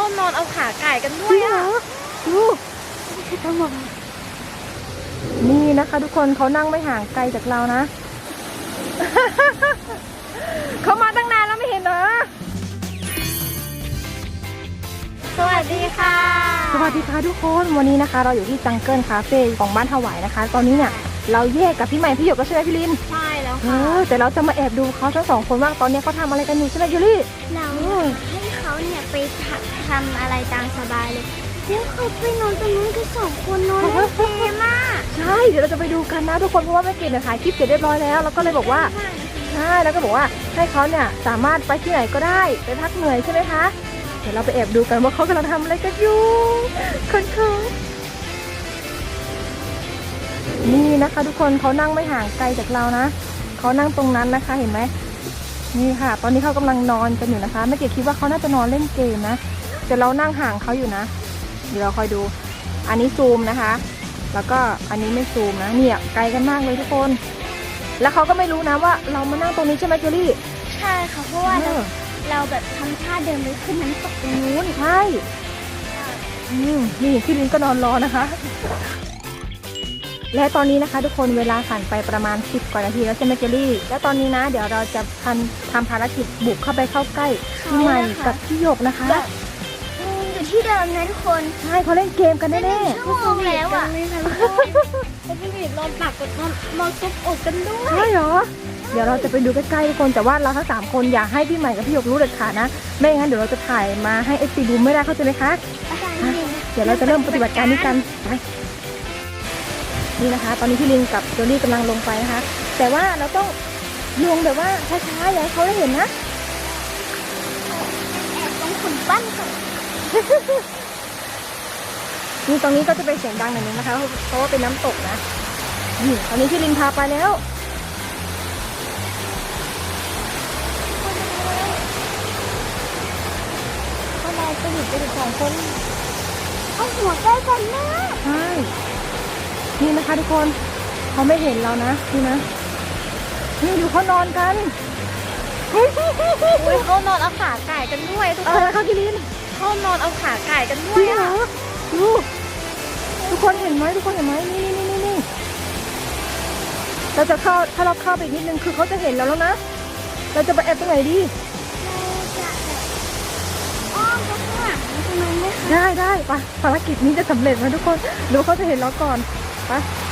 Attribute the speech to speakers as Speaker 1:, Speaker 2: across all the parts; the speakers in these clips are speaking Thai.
Speaker 1: นอนเอาขาไก่กันด้ว
Speaker 2: จริ
Speaker 1: ย
Speaker 2: งเหร
Speaker 1: อ่ะ
Speaker 2: อดูทั้งหมดนี่นะคะทุกคนเขานั่งไม่ห่างไกลจากเรานะ เขามาตั้งนานแล้วไม่เห็นเหรอ
Speaker 1: สวัสดีค่ะ
Speaker 2: สวัสดีค่ะทุกคนวันนี้นะคะ เราอยู่ที่จังเกิลคาเฟ่ของบ้านถวายนะคะ ตอนนี้เนี่ยเราแยกกับพี่ใหม่พี่หยกก็ใช่ไหมพี่ลิน
Speaker 1: ใช่แล้ว
Speaker 2: เอ
Speaker 1: ค่ะ
Speaker 2: อแต่เราจะมาแอบดูเขาทั้งสองคนว่าตอนนี้เขาทำอะไรกันอยู่ใช่ไหมยูรี่
Speaker 3: เราให้เขาเนี่ยไปทำอะไรตามสบายเลยแล้วเขาไปนอนตรงนู้นกันสองคนนอนเล่นเกมอ่ะ
Speaker 2: ใช่เดี๋ยวเราจะไปดูกันนะทุกคนเพราะว่าแม่เกดเนี่ยถ่ายคลิปเสร็จเรียบร้อยแล้วแล้วก็เลยบอกว่าใช่แล้วก็บอกว่าให้เขาเนี่ยสามารถไปที่ไหนก็ได้ไปพักเหนื่อยใช่ไหมคะเดี๋ยวเราไปแอบดูกันว่าเขากำลังทำอะไรกันอยู่คนนี่นะคะทุกคนเขานั่งไม่ห่างไกลจากเรานะเขานั่งตรงนั้นนะคะเห็นไหมนี่ค่ะ ตอนนี้เขากำลังนอนกันอยู่นะคะแม่เกดคิดว่าเขาน่าจะนอนเล่นเกมนะแต่เรานั่งห่างเขาอยู่นะเดี๋ยวเราคอยดูอันนี้ซูมนะคะแล้วก็อันนี้ไม่ซูมนะเนี่ยไกลกันมากเลยทุกคนแล้วเขาก็ไม่รู้นะว่าเรามานั่งตรงนี้ใช่ไหมเจอรี่
Speaker 3: ใช่ค่ะเพราะว่าเราแบบทำท่าเดินไปขึ้นน้ำตกตรงนู้น
Speaker 2: ใช่นี่พี่ลินก็นอนรอนะคะ และตอนนี้นะคะทุกคนเวลาผ่านไปประมาณ10กว่านาทีแล้วใช่ไหมเจอรี่แล้วตอนนี้นะเดี๋ยวเราจะทำภารกิจบุกเข้าไปเข้าใกล้พี่ใหม่กับพี่หยกนะคะ
Speaker 3: อยู่ที่เดิมนะทุกคน
Speaker 2: ใช่เขาเล่นเกมกันแน่ๆ
Speaker 3: ชั่วโมงแล้วอ่ะ
Speaker 1: เขาไปนอนตักกับนอนซุบอกกันด้วย
Speaker 2: ใช่เหรอ เดี๋ยวเราจะไปดูใกล้ๆทุกคนแต่ว่าเราทั้ง3คนอย่าให้พี่ใหม่กับพี่หยกรู้เด็ดขาดนะไม่งั้นเดี๋ยวเราจะถ่ายมาให้FCดูไม่ได้เข้าใจไหมคะเดี๋ยวเราจะเริ่มปฏิบัติการนี้กันไปนี่นะคะ ตอนนี้พี่ลินกับโจลี่กำลังลงไปนะคะ แต่ว่าเราต้องลงแบบว่าช้าๆอย่าให้เขาได้เห็นนะ
Speaker 3: แอบตรงขุนบ้านก่อน
Speaker 2: นี่ตรงนี้ก็จะเป็นเสียงดังหน่อยนึงนะคะเพราะว่าเป็นน้ำตกนะนี่ตอนนี้พี่ลินพาไปแล้วเขาเราไปหยุดไปถึง2 คน
Speaker 3: เอาหัวใกล้กันมาก
Speaker 2: ใช่นี่นะคะทุกคนเขาไม่เห็นเรานะนี่นะนี่ดูเขานอนกัน
Speaker 1: อุ้ยเขานอนเอาขาไก่กันด้วยทุก
Speaker 2: เอ
Speaker 1: คน
Speaker 2: อเขากินลิน
Speaker 1: เขานอนเอาขาไก่กันด้
Speaker 2: จ
Speaker 1: ว
Speaker 2: ริ
Speaker 1: ย
Speaker 2: งเหร
Speaker 1: อ่ะ
Speaker 2: อดูทุกคนเห็นไหมทุกคนเห็นไหมนี่เราจะเข้าถ้าเราเข้าไปอีกนิดนึงคือเขาจะเห็นเราแล้วนะเราจะไปแอบตรงไหนดี
Speaker 3: เราจะแบบอ้อมไปข้างหลังตรงนั้นไหมคะ
Speaker 2: ได้ไปภารกิจนี้จะสำเร็จไหมทุกคนดูเขาจะเห็นเราก่อนไป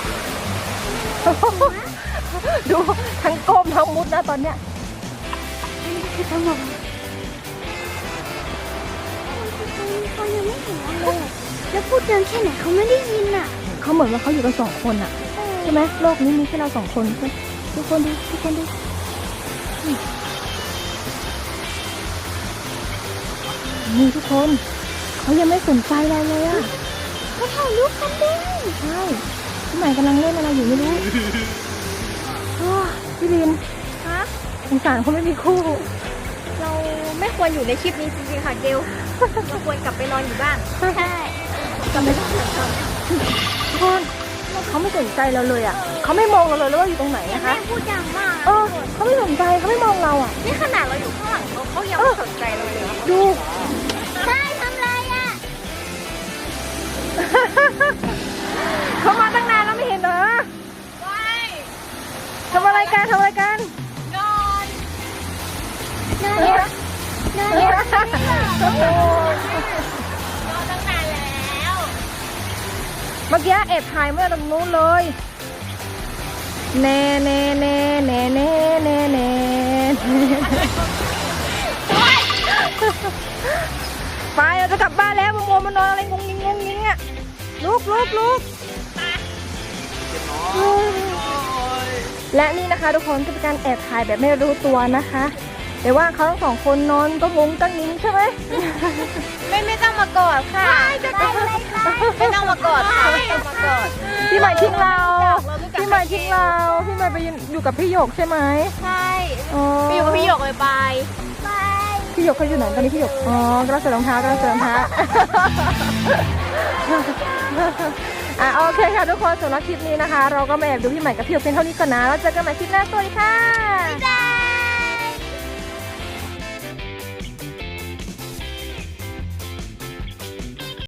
Speaker 2: ดูทั้งก้มทั้งมุดนะตอนเนี้ย
Speaker 3: เขายังไม่เห็นเราเลยอะแล้วพูดเดินแค่ไหนเขาไม่ได้ยินอ่ะ
Speaker 2: เขาเหมือนว่าเขาอยู่กัน2 คนอะใช่ไหมโลกนี้มีแค่เรา2 คนใช่ทุกคนดูนี่ทุกคนเขายังไม่สนใจเราเลยอะ
Speaker 3: เขาถ่ายรูปกันด้วย
Speaker 2: ใช่พี่ใหม่กำลังเล่นอะไรอยู่ไม่รู้อ้อพี่ลิน
Speaker 1: ฮะ
Speaker 2: สงสารเขาไม่มีคู่
Speaker 1: เราไม่ควรอยู่ในคลิปนี้จริงๆค่ะเกลเราควรกลับไปนอนอยู่บ้าน
Speaker 3: ใช่
Speaker 1: กลับไปนอนอยู่บ้าน
Speaker 2: ทุกคนเขาไม่สนใจเราเลยอะเขาไม่มองเราเลยว่าอยู่ตรงไหน
Speaker 3: แต่
Speaker 2: นะ
Speaker 3: แม่
Speaker 2: คะ
Speaker 3: พูดดังมาก
Speaker 2: เออเขาไม่สนใจเขาไม่มองเราอะ
Speaker 1: นี่ขนาดเราอยู่ข้างหลังเขายังไม่สนใจเราเลยนะ
Speaker 2: ดู
Speaker 3: ใช่ทำไรอ่ะ
Speaker 2: เขามาตั้งนานแล้วไม่เห็นเหรอ
Speaker 1: ไม่
Speaker 2: ทำอะไรกัน
Speaker 1: นอน
Speaker 3: เดินเนี่ยเดินเนี่ย
Speaker 2: โอ้
Speaker 1: นอนตั้งนานแล้ว
Speaker 2: เมื่อกี้แอบถ่ายเมื่อตรงนู้นเลยแน่ไปเราจะกลับบ้านแล้วมานอนอะไรงงงิงอ่ะลุกและนี่นะคะทุกคนก็เป็นการแอบถ่ายแบบไม่รู้ตัวนะคะแต่ว่าเขาทั้ง2 คนนอนก็งงตั้งนิ้งใช่ไหม
Speaker 1: ไม่ต้องมากอดค่ะไม่ต้องมากอดค่ะไม่ต้องมากอด
Speaker 2: พี่ใหม่ทิ้งเรา
Speaker 1: เรารู้จัก
Speaker 2: พี่ใหม่ทิ้งเราพี่ใหม่ไปอยู่กับพี่หยกใช่ไหม
Speaker 1: ใช่
Speaker 2: อ๋อ
Speaker 1: ไปอยู่กับพี่หยกเลยไป
Speaker 3: ไป
Speaker 2: พี่หยกเขาอยู่ไหนตอนนี้พี่หยกอ๋อกำลังใส่รองเท้าโอเคค่ะทุกคนสำหรับคลิปนี้นะคะ เราก็มาแอบดูพี่ใหม่กับพี่หยกเพียงเท่านี้ก่อนนะแล้วเจอกันใหม่คลิปหน้าสวัสดีค่ะ
Speaker 3: จ้า